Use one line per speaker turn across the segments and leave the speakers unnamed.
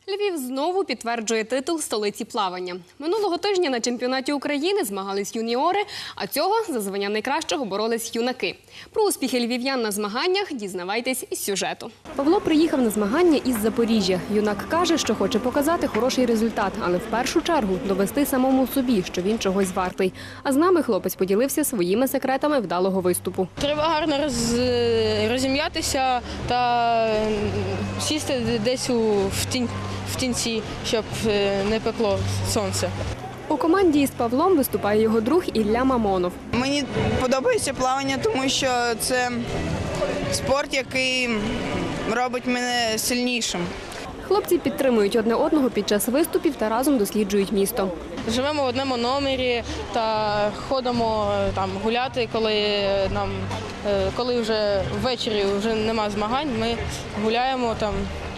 Львів знову підтверджує титул столиці плавання. Минулого тижня на чемпіонаті України змагались юніори, а цього за звання найкращого боролись юнаки. Про успіхи львів'ян на змаганнях дізнавайтесь із сюжету. Павло приїхав на змагання із Запоріжжя. Юнак каже, що хоче показати хороший результат, але в першу чергу довести самому собі, що він чогось вартий. А з нами хлопець поділився своїми секретами вдалого виступу.
Треба гарно розім'ятися та сісти десь в тінці, щоб не пекло сонце.
У команді із Павлом виступає його друг Ілля Мамонов.
Мені подобається плавання, тому що це спорт, який робить мене сильнішим.
Хлопці підтримують одне одного під час виступів та разом досліджують місто.
Живемо в одному номері та ходимо там гуляти, коли вже ввечері вже нема змагань, ми гуляємо там.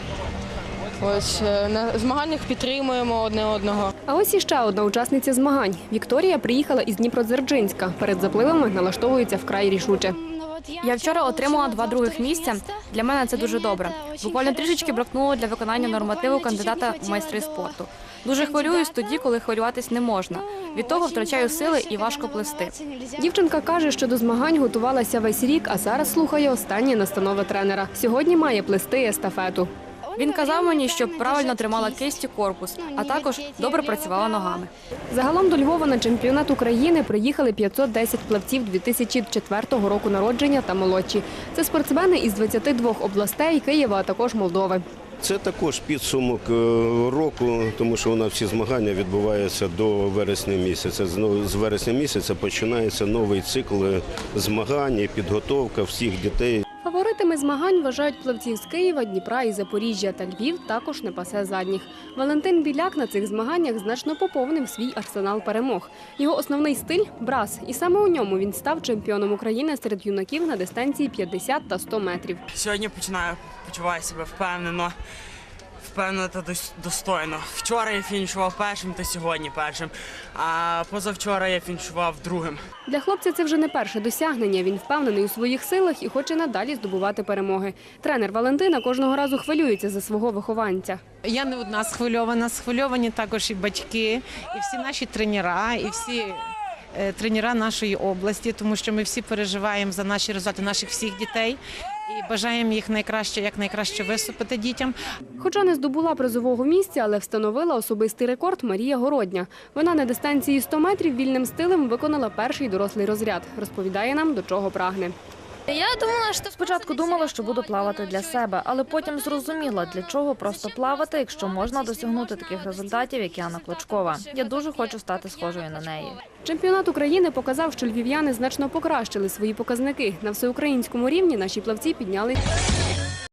Ось на змаганнях підтримуємо одне одного.
А ось іще одна учасниця змагань. Вікторія приїхала із Дніпродзержинська. Перед запливами налаштовується вкрай рішуче.
Я вчора отримала 2 других місця. Для мене це дуже добре. Буквально трішечки бракнуло для виконання нормативу кандидата в майстри спорту. Дуже хвилююсь тоді, коли хвилюватись не можна. Від того втрачаю сили і важко плисти.
Дівчинка каже, що до змагань готувалася весь рік, а зараз слухає останні настанови тренера. Сьогодні має плисти естафету.
Він казав мені, щоб правильно тримала кисть і корпус, а також добре працювала ногами.
Загалом до Львова на чемпіонат України приїхали 510 плавців 2004 року народження та молодші. Це спортсмени із 22 областей, Києва, а також Молдови.
Це також підсумок року, тому що у нас всі змагання відбуваються до вересня місяця. З вересня місяця починається новий цикл змагань і підготовка всіх дітей.
Фаворитами змагань вважають плавців з Києва, Дніпра і Запоріжжя, та Львів також не пасе задніх. Валентин Біляк на цих змаганнях значно поповнив свій арсенал перемог. Його основний стиль – брас, і саме у ньому він став чемпіоном України серед юнаків на дистанції 50 та 100 метрів.
Сьогодні почуваю себе впевнено та достойно. Вчора я фінішував першим та сьогодні першим, а позавчора я фінішував другим.
Для хлопця це вже не перше досягнення. Він впевнений у своїх силах і хоче надалі здобувати перемоги. Тренер Валентина кожного разу хвилюється за свого вихованця.
Я не одна схвильована, схвильовані також і батьки, і всі наші тренера, і всі тренера нашої області, тому що ми всі переживаємо за наші результати наших всіх дітей і бажаємо їх якнайкраще виступити дітям.
Хоча не здобула призового місця, але встановила особистий рекорд Марія Городня. Вона на дистанції 100 метрів вільним стилем виконала перший дорослий розряд. Розповідає нам, до чого прагне.
Спочатку думала, що буду плавати для себе, але потім зрозуміла, для чого просто плавати, якщо можна досягнути таких результатів, як Яна Клочкова. Я дуже хочу стати схожою на неї.
Чемпіонат України показав, що львів'яни значно покращили свої показники. На всеукраїнському рівні наші плавці підняли